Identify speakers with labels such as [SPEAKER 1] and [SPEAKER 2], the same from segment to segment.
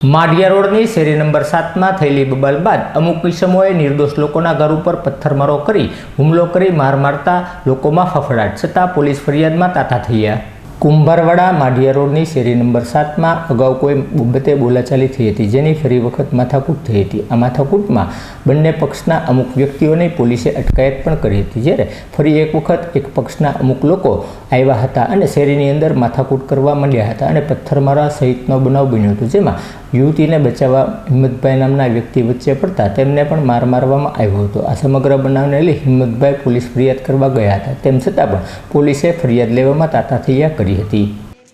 [SPEAKER 1] માઢિયા રોડની શેરી નંબર 7માં થયેલી બબાલ બાદ અમુક ઇસમોએ નિર્દોષ લોકોના ઘર ઉપર પથ્થરમારો કરી હુમલો કરી માર મારતા લોકોમાં ફફડાટ છતાં પોલીસ ફરિયાદમાં તાતા થયા। કુંભારવાડા માઢિયા રોડની શેરી નંબર 7માં અગાઉ કોઈ બાબતે બોલાચાલી થઈ હતી, જેની ફરી વખત માથાકૂટ થઈ હતી। આ માથાકૂટમાં બંને પક્ષના અમુક વ્યક્તિઓની પોલીસે અટકાયત પણ કરી હતી, જ્યારે ફરી એક વખત એક પક્ષના અમુક લોકો આવ્યા હતા અને શેરીની અંદર માથાકૂટ કરવા માંડ્યા હતા અને પથ્થરમારા સહિતનો બનાવ બન્યો હતો, જેમાં યુવતીને બચાવવા હિંમતભાઈ નામના વ્યક્તિ વચ્ચે પડતા તેમને પણ માર મારવામાં આવ્યો હતો। આ સમગ્ર બનાવને લઈ હિંમતભાઈ પોલીસ ફરિયાદ કરવા ગયા હતા, તેમ છતાં પણ પોલીસે ફરિયાદ લેવામાં તાતા થયા કરી હતી।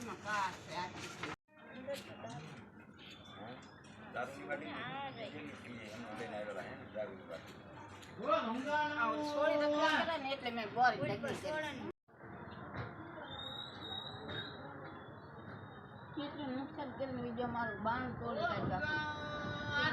[SPEAKER 2] नुकसान કરીને બીજો મારું બાણ તોડી નાખ્યું।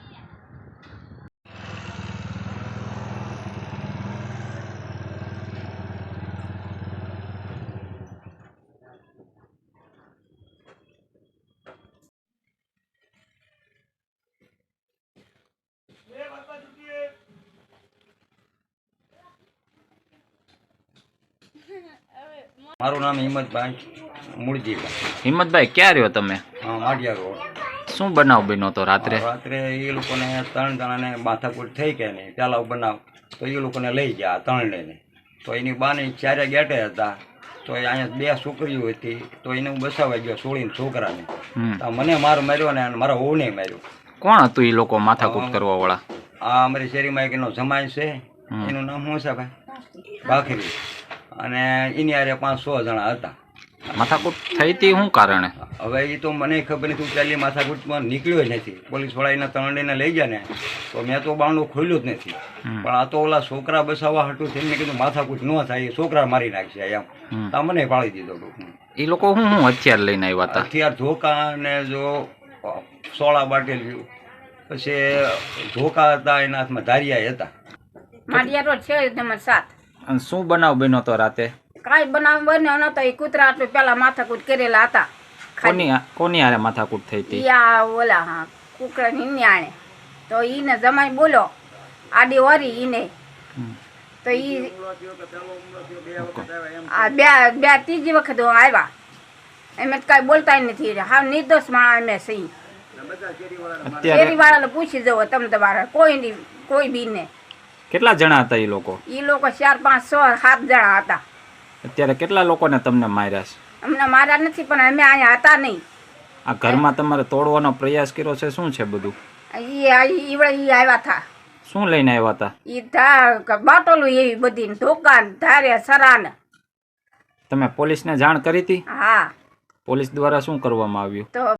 [SPEAKER 3] મારું નામ હિંમતભાઈ મૂળજીભાઈ।
[SPEAKER 4] હિંમતભાઈ ક્યાં રહ્યો તમે?
[SPEAKER 3] માઢિયા રોડ।
[SPEAKER 4] શું બનાવ બન્યો તો રાત્રે?
[SPEAKER 3] રાત્રે એ લોકોને 3 જણાને માથાકૂટ થઈ કે નહીં પેલા બનાવ, તો એ લોકોને લઈ ગયા 3 ને। તો એની બાની 4 ગેટે હતા, તો એ અહીંયા 2 છોકરીઓ હતી, તો એને હું બસાવવા ગયો છોડીને છોકરાને, તો મને માર માર્યો ને મારા વહુને માર્યો।
[SPEAKER 4] કોણ હતું એ લોકો માથાકૂટ કરવા વાળા?
[SPEAKER 3] આ અમારી શેરીમાં એક એનો જમાઈ છે, એનું નામ શું છે ભાઈ? ભાખરી। અને એની આરે 5-6 જણા હતા।
[SPEAKER 4] માથાકૂટ થઈ હતી શું કારણે?
[SPEAKER 3] હવે એ તો મને ખબર નથી, પહેલી માથાકૂટમાં નીકળ્યો જ નથી। પોલીસવાળા એના 3 ને લઈ ગયા ને, તો મેં તો બારણું ખોલ્યું જ નથી, પણ આ તો ઓલા છોકરા બસાવવા હતું તેમને કીધું માથાકૂટ ન થાય, એ છોકરા મારી નાખશે એમ, તો મને પાડી દીધો ટૂંકમાં।
[SPEAKER 4] એ લોકો શું હથિયાર લઈને આવ્યા હતા?
[SPEAKER 3] હથિયાર ધોકા ને જો સોળા બાટેલ્યું, પછી ધોકા હતા, એના હાથમાં ધારિયા હતા।
[SPEAKER 2] માઢિયા રોડ શેરી નંબર 7।
[SPEAKER 4] અને શું બનાવ બન્યો તો રાતે?
[SPEAKER 2] કાંઈ બનાવ બન્યો નતો, એ કૂતરા આટલું પેલા માથાકૂટ કરેલા હતા।
[SPEAKER 4] કોની હારે માથાકૂટ થઈ હતી?
[SPEAKER 2] યા ઓલા હા કુકરાની ન્યાણે, તો ઈને જમાઈ બોલો આડી વરી ઈને, તો ઈ આ બે ત્રીજી વખત હું આવ્યા, એમ કાંઈ બોલતા નથી, હા નિર્દોષ માણસ અમે સહી। શેરી વાળાને પૂછી જવો તમે તમારા, કોઈ બી ને।
[SPEAKER 4] કેટલા જણા હતા એ લોકો?
[SPEAKER 2] એ લોકો 4, 5, 6, 7 જણા હતા।
[SPEAKER 4] અત્યારે કેટલા લોકોને તમને માર્યા છે?
[SPEAKER 2] અમને માર્યા નથી, પણ અમે અહીંયા હતા નહીં।
[SPEAKER 4] આ ઘરમાં તમારે તોડવાનો પ્રયાસ કર્યો છે? શું છે બધું?
[SPEAKER 2] ઈ આવ્યા હતા।
[SPEAKER 4] શું લઈને આવ્યા હતા?
[SPEAKER 2] ઈ બાટોલું એવી બધી દુકાન ધારે સરાન।
[SPEAKER 4] તમે પોલીસને જાણ કરી હતી?
[SPEAKER 2] હા।
[SPEAKER 4] પોલીસ દ્વારા શું કરવામાં આવ્યું?
[SPEAKER 2] તો